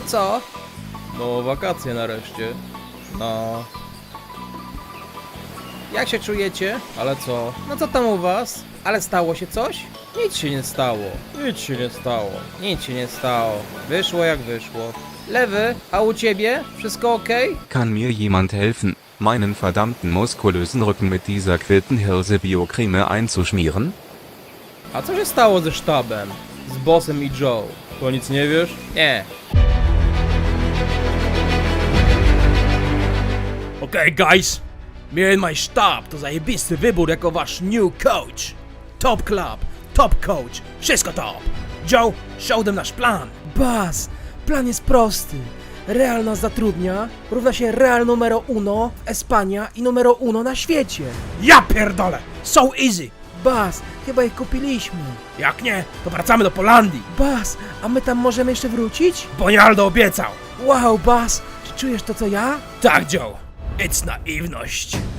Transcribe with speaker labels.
Speaker 1: co? No, wakacje nareszcie. No. Jak się czujecie? Ale co? No co tam u was? Ale stało się coś? Nic się nie stało. Nic się nie stało. Nic się nie stało. Wyszło jak wyszło. Lewy, a u ciebie? Wszystko okej?
Speaker 2: Kann mir jemand helfen, meinen verdammten muskulösen Rücken mit dieser Quiltenhirse Biocreme einzuschmieren?
Speaker 1: A co się stało ze sztabem? Z Bossem i Joe? To nic nie wiesz? Nie.
Speaker 3: Okej, guys. Mnie i mój sztab to zajebisty wybór jako wasz new coach. Top club, top coach, wszystko top. Joe, show them nasz plan.
Speaker 4: Bas, plan jest prosty. Real nas zatrudnia, równa się Real numero uno w Espania i numero uno na świecie.
Speaker 3: Ja pierdolę, so easy.
Speaker 4: Bas, chyba ich kupiliśmy.
Speaker 3: Jak nie, to wracamy do Polandii.
Speaker 4: Bas, a my tam możemy jeszcze wrócić?
Speaker 3: Bonialdo obiecał.
Speaker 4: Wow, Bas, czy czujesz to co ja?
Speaker 3: Tak, Joe. It's naiwność.